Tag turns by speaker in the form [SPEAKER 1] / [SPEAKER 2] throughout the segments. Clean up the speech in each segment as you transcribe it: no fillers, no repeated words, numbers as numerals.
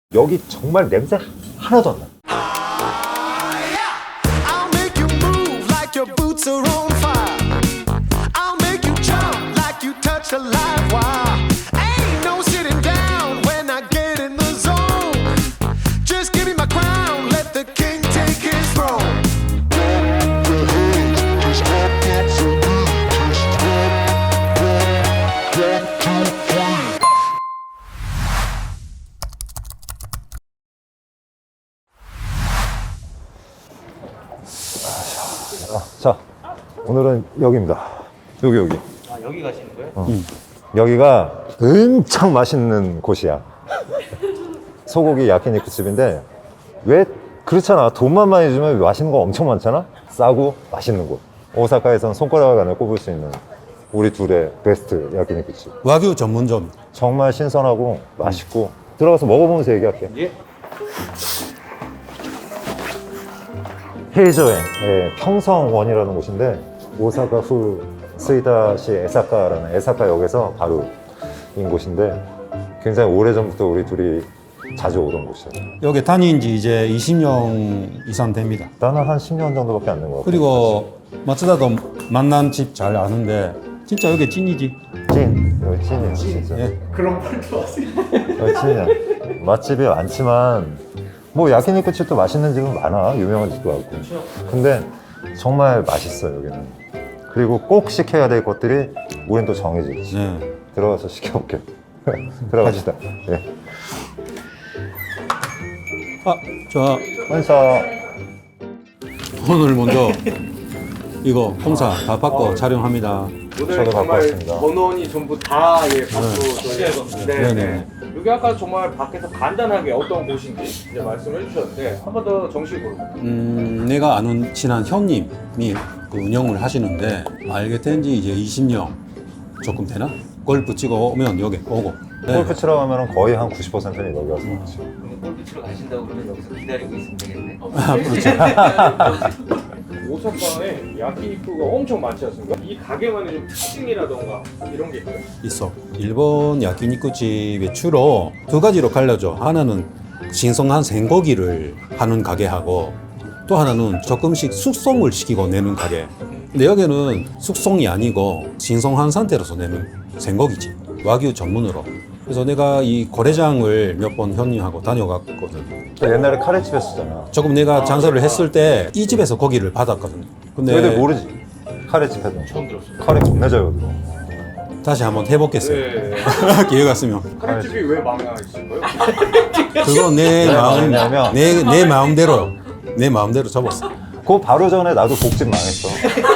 [SPEAKER 1] 여기 정말 냄새 하나도 안 나.
[SPEAKER 2] I'll make you move like your boots are on fire. I'll make you jump like you touch a live wire. Ain't no sitting down when I get in the zone. Just give me my crown, let the king take his throne.
[SPEAKER 1] 자, 오늘은 여기입니다. 여기.
[SPEAKER 3] 아, 여기 가시는 거예요?
[SPEAKER 1] 여기가 엄청 맛있는 곳이야. 소고기 야키니쿠 집인데 왜 그렇잖아. 돈만 많이 주면 맛있는 거 엄청 많잖아. 싸고 맛있는 곳. 오사카에선 손가락 안에 꼽을 수 있는 우리 둘의 베스트 야키니쿠 집.
[SPEAKER 4] 와규 전문점.
[SPEAKER 1] 정말 신선하고 맛있고 들어가서 먹어보면서 얘기할게.
[SPEAKER 3] 예.
[SPEAKER 1] 헤이저행 평성원이라는 곳인데 오사카 후 스이다시 에사카라는 에사카역에서 바로인 곳인데 굉장히 오래전부터 우리 둘이 자주 오던 곳이에요.
[SPEAKER 4] 여기 다닌 지 이제 20년 이상 됩니다.
[SPEAKER 1] 나는 한 10년 정도밖에 안 된 것 같고.
[SPEAKER 4] 그리고 마츠다도 만난 집 잘 아는데 진짜 여기 찐이지.
[SPEAKER 1] 여기 찐이에요 진짜.
[SPEAKER 4] 예.
[SPEAKER 3] 그런 말도 하세요.
[SPEAKER 1] 여기 찐이야. 맛집이 많지만 뭐 야키니쿠 집도 맛있는 집은 많아. 유명한 집도 많고. 근데 정말 맛있어 여기는. 그리고 꼭 시켜야 될 것들이 우린 또 정해져 있지.
[SPEAKER 4] 네.
[SPEAKER 1] 들어가서 시켜볼게. 들어갑시다. 예.
[SPEAKER 4] 아, 저
[SPEAKER 1] 원사.
[SPEAKER 4] 오늘 먼저 이거 홍사 다 받고 촬영합니다.
[SPEAKER 3] 오늘
[SPEAKER 1] 저도 갖고
[SPEAKER 3] 정말
[SPEAKER 1] 왔습니다.
[SPEAKER 3] 번원이 전부 다 받고
[SPEAKER 4] 네네.
[SPEAKER 3] 여기 아까 정말 밖에서 간단하게 어떤 곳인지 이제 말씀해 주셨는데 한 번 더 정식으로.
[SPEAKER 4] 내가 아는 친한 형님이 그 운영을 하시는데 알게 된 지 이제 20년 조금 되나? 골프 치고 오면 여기 오고. 네.
[SPEAKER 1] 골프 치러 가면 거의 한 90%는 여기 와서 먹지.
[SPEAKER 5] 그러면 골프 치러 가신다고 그러면 여기서 기다리고 있으면 되겠네.
[SPEAKER 4] 아, 그렇죠.
[SPEAKER 3] 오사카에 야키니쿠가 엄청 많지 않습니까? 이 가게만의 좀 특징이라던가 이런 게 있어요?
[SPEAKER 4] 있어. 일본 야키니쿠 집에 주로 두 가지로 갈려져. 하나는 신선한 생고기를 하는 가게하고 또 하나는 조금씩 숙성을 시키고 내는 가게. 근데 여기는 숙성이 아니고 신선한 상태로서 내는 생고기지. 와규 전문으로. 그래서 내가 이 거래장을 몇 번 형님하고 다녀갔거든.
[SPEAKER 1] 옛날에 카레집에 쓰잖아.
[SPEAKER 4] 조금 내가 장사를 했을 때 이 집에서 고기를 받았거든. 근데
[SPEAKER 1] 너희들 모르지? 카레집에도.
[SPEAKER 3] 처음 들었어요.
[SPEAKER 1] 카레 겁나 잘 여기고.
[SPEAKER 4] 다시 한번 해보겠어요.
[SPEAKER 3] 네.
[SPEAKER 4] 기회가 있으면.
[SPEAKER 3] 카레집이 왜 망했을 거예요?
[SPEAKER 4] 그거 내 마음,
[SPEAKER 1] 왜냐면
[SPEAKER 4] 내 마음대로, 내 마음대로 접었어.
[SPEAKER 1] 그 바로 전에 나도 복집 망했어.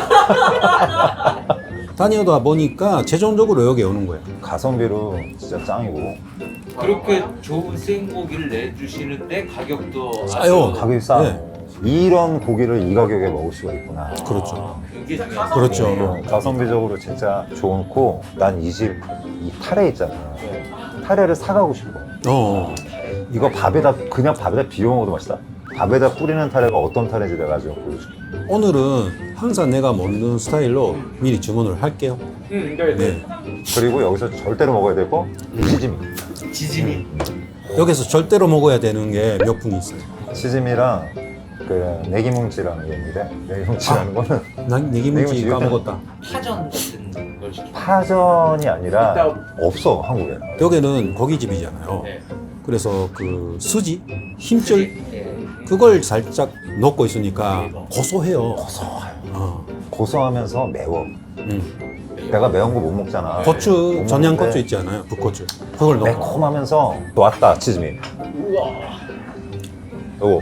[SPEAKER 4] 다니다 보니까 최종적으로 여기 오는 거야.
[SPEAKER 1] 가성비로 진짜 짱이고
[SPEAKER 5] 그렇게 좋은 생고기를 내주시는데 가격도
[SPEAKER 4] 싸요.
[SPEAKER 1] 가격이 싸.
[SPEAKER 4] 네.
[SPEAKER 1] 이런 고기를 이 가격에 먹을 수가 있구나.
[SPEAKER 4] 그렇죠.
[SPEAKER 5] 그게 중요하죠.
[SPEAKER 4] 그렇죠.
[SPEAKER 1] 가성비적으로 진짜 좋고 난 이 집 이 타레 있잖아. 타레를 사가고 싶어.
[SPEAKER 4] 어.
[SPEAKER 1] 이거 그냥 밥에다 비벼 먹어도 맛있다. 밥에다 뿌리는 타레가 어떤 타레인지 내가 지금 보여줄게.
[SPEAKER 4] 오늘은 항상 내가 먹는 스타일로 미리 주문을 할게요.
[SPEAKER 3] 네.
[SPEAKER 1] 그리고 여기서 절대로 먹어야 되고 치즈미.
[SPEAKER 5] 지짐이
[SPEAKER 4] 여기서 절대로 먹어야 되는 게 몇 분이 있어요.
[SPEAKER 1] 치즈미랑 그 내기뭉치라는 게 있는데 내기뭉치라는 거는
[SPEAKER 4] 난 내기문지
[SPEAKER 1] 내기문지
[SPEAKER 4] 까먹었다.
[SPEAKER 5] 파전 같은 걸 시키면
[SPEAKER 1] 파전이 아니라
[SPEAKER 3] 일단-
[SPEAKER 1] 없어 한국에.
[SPEAKER 4] 여기는 고깃집이잖아요.
[SPEAKER 5] 네.
[SPEAKER 4] 그래서 그 수지, 힘줄
[SPEAKER 5] 예.
[SPEAKER 4] 그걸 살짝 넣고 있으니까 고소해요.
[SPEAKER 1] 고소하면서 매워. 내가 매운 거 못 먹잖아.
[SPEAKER 4] 고추,
[SPEAKER 1] 못
[SPEAKER 4] 전양고추
[SPEAKER 1] 먹는데
[SPEAKER 4] 있지 않아요? 북고추. 그걸 넣고.
[SPEAKER 1] 매콤하면서 왔다 치즈미.
[SPEAKER 3] 우와.
[SPEAKER 1] 요거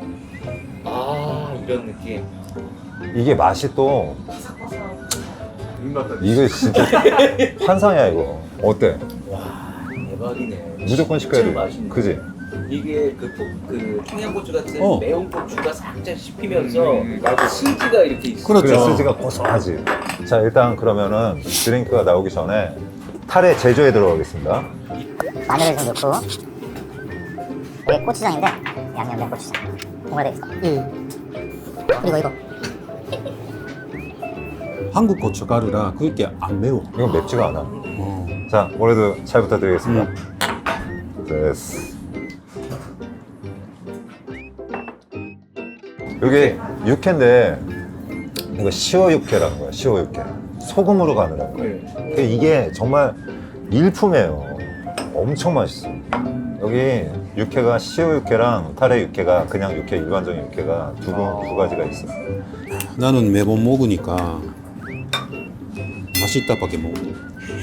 [SPEAKER 5] 아 이런 느낌.
[SPEAKER 1] 이게 맛이 또
[SPEAKER 3] 입맛다.
[SPEAKER 1] 이거 진짜 환상이야 이거. 어때?
[SPEAKER 5] 대박이네.
[SPEAKER 1] 무조건 시켜야
[SPEAKER 5] 진짜
[SPEAKER 1] 돼.
[SPEAKER 5] 맛있네.
[SPEAKER 1] 그지?
[SPEAKER 5] 이게 그 청양고추 같은
[SPEAKER 4] 어.
[SPEAKER 5] 매운 고추가 살짝 씹히면서 스지가 이렇게 있어.
[SPEAKER 4] 그렇죠.
[SPEAKER 1] 그래 스지가 고소하지. 자 일단 그러면은 드링크가 나오기 전에 타레 제조에 들어가겠습니다.
[SPEAKER 6] 마늘을 좀 넣고 이게 고추장인데 양념된 고추장 뭐가 되겠어? 그리고 이거
[SPEAKER 4] 한국 고춧가루라 그게 안 매워.
[SPEAKER 1] 이건 맵지가 않아.
[SPEAKER 4] 어.
[SPEAKER 1] 자 올해도 잘 부탁드리겠습니다. 됐어. 여기 육회인데 이거 시어 육회라는 거야. 시어 육회. 소금으로 가느라는 거야.
[SPEAKER 3] 네.
[SPEAKER 1] 이게 정말 일품이에요. 엄청 맛있어. 여기 육회가 시어 육회랑 타레 육회가 그냥 육회 일반적인 육회가 두 가지가 있어.
[SPEAKER 4] 나는 매번 먹으니까 맛있다밖에 못 먹어.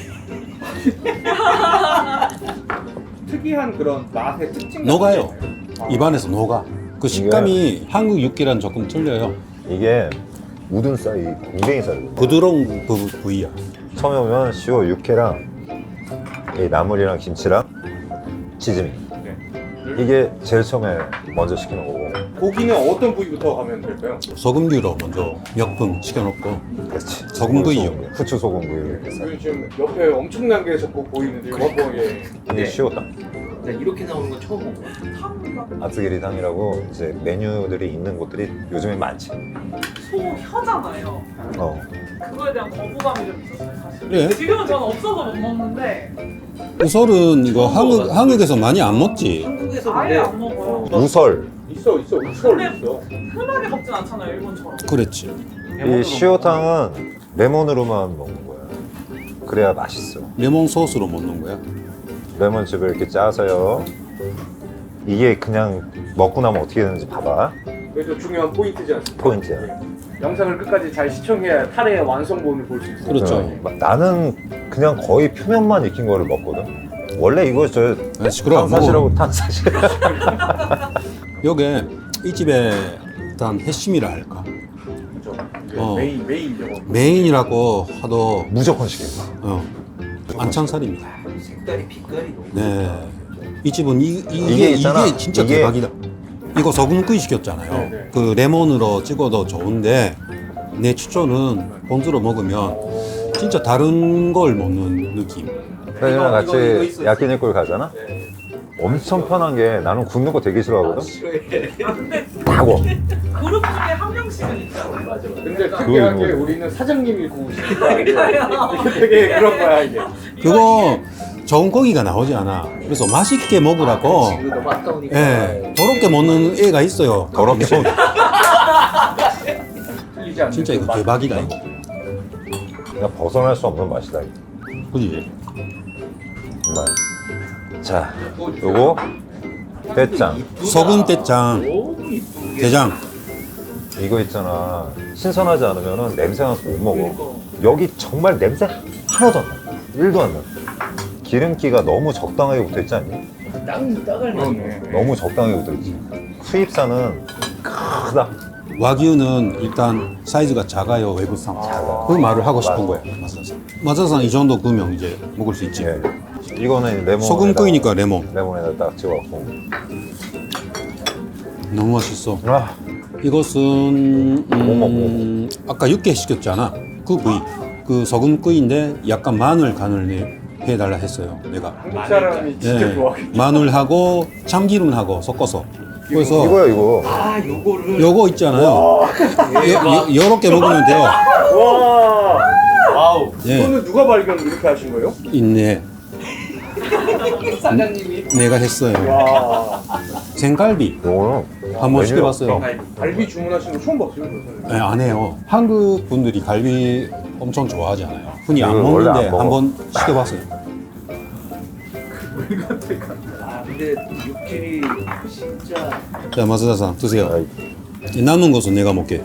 [SPEAKER 3] 특이한 그런 맛의 특징.
[SPEAKER 4] 녹아요. 입안에서 녹아. 그 식감이 한국 육개랑 조금 틀려요.
[SPEAKER 1] 이게 우둔 쌀이 공댕이 쌀이거든.
[SPEAKER 4] 부드러운 그 부위야.
[SPEAKER 1] 처음에 오면 시어 육회랑 이 나물이랑 김치랑 치즈미.
[SPEAKER 3] 네.
[SPEAKER 1] 이게 제일 처음에 먼저 시키는 거고.
[SPEAKER 3] 고기는 어떤 부위부터 가면 될까요?
[SPEAKER 4] 소금류로 먼저 몇 분 시켜놓고
[SPEAKER 1] 그렇지.
[SPEAKER 4] 소금구이요.
[SPEAKER 1] 후추 소금구이 이렇게 쌀.
[SPEAKER 3] 여기 지금 옆에 엄청난 게 자꾸 보이는데 이거 한번 예.
[SPEAKER 1] 이게 시오탕.
[SPEAKER 5] 나 이렇게 나오는 건 처음 본 거야.
[SPEAKER 1] 아츠기리탕이라고 이제 메뉴들이 있는 곳들이 요즘에 많지.
[SPEAKER 7] 소혀잖아요.
[SPEAKER 1] 어.
[SPEAKER 7] 그거에 대한 거부감이 좀 있었어요, 사실.
[SPEAKER 4] 그래?
[SPEAKER 7] 지금은 저는 없어서 못 먹는데
[SPEAKER 4] 우설은 이거 한국에서 많이 안 먹지.
[SPEAKER 5] 한국에서
[SPEAKER 7] 아예
[SPEAKER 5] 근데
[SPEAKER 7] 안 먹어요.
[SPEAKER 1] 우설.
[SPEAKER 3] 있어 우설 있어.
[SPEAKER 7] 흔하게 먹진 않잖아요, 일본처럼.
[SPEAKER 4] 그랬지.
[SPEAKER 1] 이 시오탕은 레몬으로만 먹는 거야. 그래야 맛있어.
[SPEAKER 4] 레몬 소스로 먹는 거야.
[SPEAKER 1] 레몬즙을 이렇게 짜서요. 이게 그냥 먹고 나면 어떻게 되는지 봐봐.
[SPEAKER 3] 그래서 중요한 포인트지 않습니까?
[SPEAKER 1] 포인트야.
[SPEAKER 3] 영상을 끝까지 잘 시청해야 타레의 완성본을 볼 수 있어요.
[SPEAKER 4] 그렇죠.
[SPEAKER 1] 나는 그냥 거의 표면만 익힌 거를 먹거든. 원래 이거 저
[SPEAKER 4] 아, 시끄러워.
[SPEAKER 1] 탄사시라고 탄사시.
[SPEAKER 4] 요게 이 집의 일단 핵심이라 할까.
[SPEAKER 3] 그렇죠.
[SPEAKER 4] 어.
[SPEAKER 3] 메인 저거.
[SPEAKER 4] 메인이라고 하도
[SPEAKER 1] 무조건 시켜.
[SPEAKER 4] 안창살입니다.
[SPEAKER 5] 색깔이 빛깔이 너무
[SPEAKER 4] 네. 이 집은
[SPEAKER 1] 이게
[SPEAKER 4] 이게
[SPEAKER 1] 있잖아.
[SPEAKER 4] 진짜
[SPEAKER 1] 이게-
[SPEAKER 4] 대박이다. 이거 소금구이 시켰잖아요.
[SPEAKER 3] 네, 네.
[SPEAKER 4] 그 레몬으로 찍어도 좋은데 내 추천은 본주로 먹으면 진짜 다른 걸 먹는 느낌.
[SPEAKER 1] 형이랑
[SPEAKER 5] 이거
[SPEAKER 1] 같이
[SPEAKER 5] 있어요.
[SPEAKER 1] 야끼니쿠를 가잖아. 엄청 편한 게 나는 굽는 거 되게 싫어하거든.
[SPEAKER 5] 싫어해.
[SPEAKER 7] 아, 근데
[SPEAKER 1] 다 구워.
[SPEAKER 7] 그룹 중에 한 명씩은 있잖아요.
[SPEAKER 5] 맞아.
[SPEAKER 3] 근데
[SPEAKER 1] 그거
[SPEAKER 3] 특이하게
[SPEAKER 1] 이거.
[SPEAKER 3] 우리는 사장님이 구우시니까 이게
[SPEAKER 7] 그러니까요.
[SPEAKER 3] 되게 그런 거야 이게.
[SPEAKER 4] 그거 좋은 고기가 나오지 않아. 그래서 맛있게 먹으라고
[SPEAKER 5] 지금 너무 아까우니까.
[SPEAKER 4] 예, 더럽게 먹는 애가 있어요.
[SPEAKER 1] 더럽게.
[SPEAKER 3] 틀리지 않는
[SPEAKER 4] 진짜 이거
[SPEAKER 3] 그 맛.
[SPEAKER 4] 대박이다 이거.
[SPEAKER 1] 그냥 벗어날 수 없는 맛이다. 이거.
[SPEAKER 4] 그지?
[SPEAKER 1] 정말. 자, 요거 대짱.
[SPEAKER 4] 소금 대짱,
[SPEAKER 5] 너무 이쁘게.
[SPEAKER 4] 대장.
[SPEAKER 1] 이거 있잖아. 신선하지 않으면 냄새 나서 못 먹어. 여기 정말 냄새 하나도 안 나. 1도 안 나. 기름기가 너무 적당하게 붙어 있지 않니?
[SPEAKER 5] 땅을
[SPEAKER 3] 그러네.
[SPEAKER 1] 너무 적당하게 붙어 있지. 수입산은 크다.
[SPEAKER 4] 와규는 일단 사이즈가 작아요. 외국산.
[SPEAKER 1] 작아.
[SPEAKER 4] 그 말을 하고 싶은 거야. 마사상. 마사상 이 정도 구면 이제 먹을 수 있지.
[SPEAKER 1] 예. 이거는 레몬.
[SPEAKER 4] 소금구이니까 레몬.
[SPEAKER 1] 레몬에다 딱 찍어갖고.
[SPEAKER 4] 너무 맛있어.
[SPEAKER 1] 아,
[SPEAKER 4] 이것은
[SPEAKER 1] 뭐
[SPEAKER 4] 아까 육개 시켰잖아. 그 부위. 그 소금구이인데 약간 마늘 간을 해달라 했어요. 내가.
[SPEAKER 3] 한국 사람이 진짜
[SPEAKER 4] 예,
[SPEAKER 3] 좋아하겠다.
[SPEAKER 4] 마늘하고 참기름하고 섞어서. 그래서
[SPEAKER 1] 이거야 이거.
[SPEAKER 5] 아, 요거를.
[SPEAKER 4] 요거 있잖아요. 요렇게 먹으면 돼요.
[SPEAKER 3] 와. 와우.
[SPEAKER 4] 예.
[SPEAKER 3] 이거는 누가 발견을 이렇게 하신 거예요?
[SPEAKER 4] 있네.
[SPEAKER 5] 사장님이.
[SPEAKER 4] 내가 했어요.
[SPEAKER 3] 와.
[SPEAKER 4] 생갈비
[SPEAKER 1] 요거는
[SPEAKER 4] 한번
[SPEAKER 1] 메뉴가
[SPEAKER 4] 시켜봤어요.
[SPEAKER 1] 없어.
[SPEAKER 3] 갈비 주문하신 거 처음 봤어요. 저는.
[SPEAKER 4] 네, 안 해요. 한국 분들이 갈비 엄청 좋아하잖아요. 흔히 안
[SPEAKER 1] 이거 원래
[SPEAKER 4] 먹는데
[SPEAKER 1] 안 먹어.
[SPEAKER 4] 한번 시켜봤어요.
[SPEAKER 5] 아, 근데 육질이 진짜.
[SPEAKER 4] 자, 마스다상 드세요.
[SPEAKER 1] 아이,
[SPEAKER 4] 남은 것은 내가 먹게.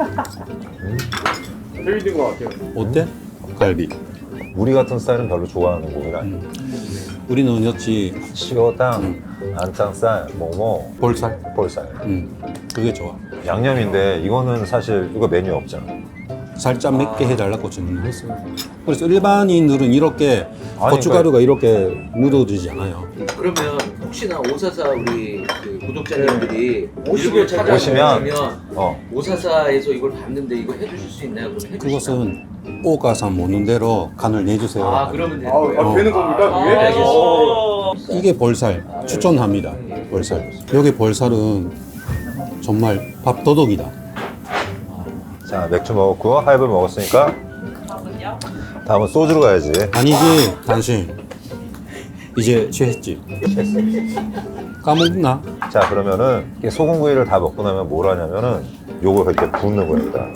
[SPEAKER 3] 재밌는 것 같아요.
[SPEAKER 4] 어때? 갈비.
[SPEAKER 1] 우리 같은 스타일은 별로 좋아하는 고기가 아니야.
[SPEAKER 4] 우리는 여치
[SPEAKER 1] 시어탕, 안창살, 뭐뭐,
[SPEAKER 4] 볼살.
[SPEAKER 1] 볼살.
[SPEAKER 4] 그게 좋아.
[SPEAKER 1] 양념인데 이거는 사실 이거 메뉴 없잖아.
[SPEAKER 4] 살짝 맵게 해달라고 주문했어요. 그래서 일반인들은 이렇게
[SPEAKER 1] 아니,
[SPEAKER 4] 고춧가루가 이렇게 묻어지지 않아요.
[SPEAKER 5] 그러면 혹시나 오사사 우리 그 구독자님들이
[SPEAKER 3] 오시게
[SPEAKER 5] 일본 찾아오시면
[SPEAKER 1] 어.
[SPEAKER 5] 오사사에서 이걸 봤는데 이거 해주실 수 있나요? 그럼 해주시나요?
[SPEAKER 4] 그것은 오가산 먹는 대로 간을 내주세요.
[SPEAKER 5] 아, 그러면 되는
[SPEAKER 3] 아,
[SPEAKER 5] 거예요?
[SPEAKER 3] 되는 겁니까 그게?
[SPEAKER 5] 알겠습니다.
[SPEAKER 4] 이게 볼살 추천합니다. 볼살. 여기 볼살은 정말 밥도둑이다.
[SPEAKER 1] 자, 맥주 먹었고 하이볼 먹었으니까
[SPEAKER 7] 다음은요?
[SPEAKER 1] 다음은 소주로 가야지.
[SPEAKER 4] 아니지 당신 이제 취했지? 까먹나?
[SPEAKER 1] 자, 그러면은 이 소금구이를 다 먹고 나면 뭘 하냐면은 요거 이렇게 붓는 거야 일단.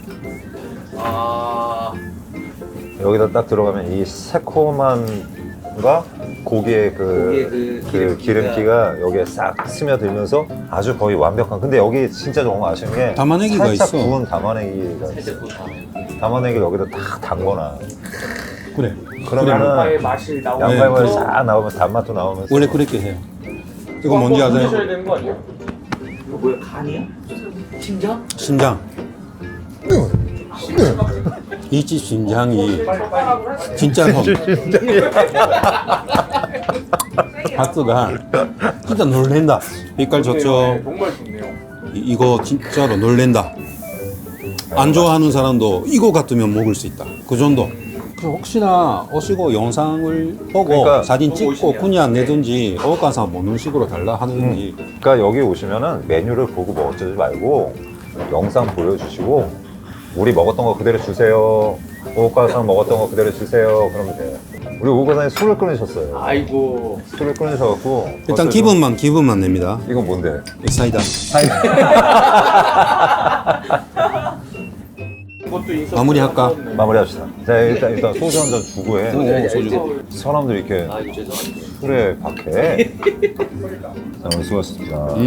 [SPEAKER 5] 아,
[SPEAKER 1] 여기다 딱 들어가면 이 새콤함과 고기의 그 기름기가 여기에 싹 스며들면서 아주 거의 완벽한. 근데 여기 진짜 너무 아쉬운 게
[SPEAKER 4] 담아내기가
[SPEAKER 1] 살짝
[SPEAKER 4] 있어.
[SPEAKER 1] 구운 담아내기가 있어. 담아내기를 여기다 딱 담거나.
[SPEAKER 4] 그래.
[SPEAKER 1] 그러면은
[SPEAKER 3] 양파의 맛이 나오는
[SPEAKER 1] 양파에
[SPEAKER 3] 거.
[SPEAKER 1] 싹 나오면서 단맛도 나오면서.
[SPEAKER 4] 원래 그렇게 해요. 이거 뭔지
[SPEAKER 3] 드셔야
[SPEAKER 4] 아세요?
[SPEAKER 3] 되는 거 아니에요?
[SPEAKER 5] 이거 뭐야, 간이야? 심장?
[SPEAKER 4] 심장. 이 집 심장이 진짜로 바스가 진짜 놀랜다. 빛깔 좋죠.
[SPEAKER 3] 네, 정말 좋네요.
[SPEAKER 4] 이거 진짜로 놀랜다. 안 좋아하는 사람도 이거 같으면 먹을 수 있다. 그 정도. 그 혹시나 오시고 영상을 보고
[SPEAKER 1] 그러니까
[SPEAKER 4] 사진
[SPEAKER 5] 보고
[SPEAKER 4] 찍고
[SPEAKER 5] 오시면.
[SPEAKER 4] 그냥 내든지 어가서 먹는 식으로 달라 하든지.
[SPEAKER 1] 그러니까 여기 오시면은 메뉴를 보고 뭐 어쩌지 말고 영상 보여주시고 우리 먹었던 거 그대로 주세요. 오가상 먹었던 거 그대로 주세요. 그러면 돼요. 우리 오가상이 술을 끊으셨어요.
[SPEAKER 3] 아이고.
[SPEAKER 1] 술을 끊으셔갖고
[SPEAKER 4] 일단
[SPEAKER 1] 벌써
[SPEAKER 4] 기분만 냅니다.
[SPEAKER 1] 좀- 이건 뭔데?
[SPEAKER 4] 사이다.
[SPEAKER 3] 그것도 인서
[SPEAKER 4] 마무리할까?
[SPEAKER 1] 마무리합시다. 자 일단 소주 한 잔 주고 해.
[SPEAKER 4] 오, 소주.
[SPEAKER 1] 사람들이 이렇게
[SPEAKER 5] 아, 이거 죄송합니다.
[SPEAKER 1] 술에 박해. 자 오늘 수고하셨습니다.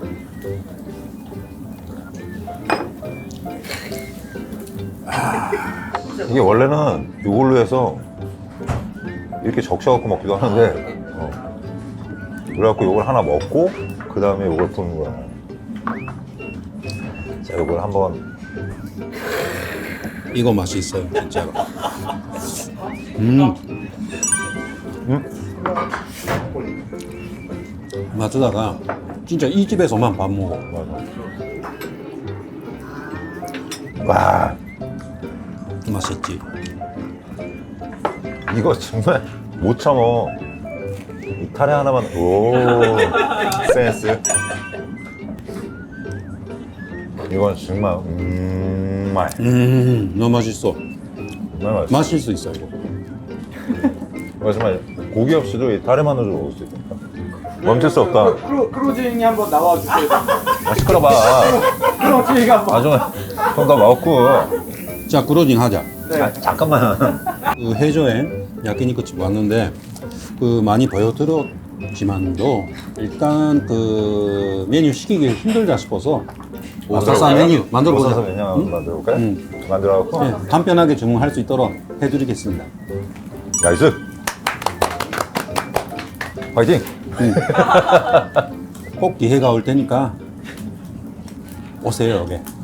[SPEAKER 1] 이게 원래는 이걸로 해서 이렇게 적셔갖고 먹기도 하는데 그래갖고 이걸 하나 먹고 그 다음에 이걸 푸는 거야. 자 이걸 한번
[SPEAKER 4] 이거 맛이 있어요, 진짜로. 마트다가 진짜 이 집에서만 밥 먹어.
[SPEAKER 1] 와
[SPEAKER 4] 맛있지.
[SPEAKER 1] 이거 정말 못 참어. 이 타레 하나만. 오 센스. 이건 정말
[SPEAKER 4] 너무 맛있어.
[SPEAKER 1] 정말 맛있어.
[SPEAKER 4] 마실 수 있어, 이거.
[SPEAKER 1] 정말 고기 없이도 이 타레만으로 먹을 수 있으니까 멈출 수 없다.
[SPEAKER 3] 크루징이 한번 나와주세요.
[SPEAKER 1] 시끄러봐.
[SPEAKER 3] 크루징이 한번.
[SPEAKER 1] 나중에 좀더 먹고.
[SPEAKER 4] 자, 그로징 하자.
[SPEAKER 3] 네.
[SPEAKER 1] 잠깐만.
[SPEAKER 4] 그 해조에 야끼니쿠집 왔는데 그 많이 보여드렸지만도 일단 그 메뉴 시키기 힘들다 싶어서 오사사 메뉴 만들어보자.
[SPEAKER 1] 오사사 메뉴 한번 만들어볼까요? 만들어갖고
[SPEAKER 4] 네, 간편하게 주문할 수 있도록 해드리겠습니다.
[SPEAKER 1] 나이스. 화이팅.
[SPEAKER 4] 꼭 기회가 올 테니까 오세요, 여기.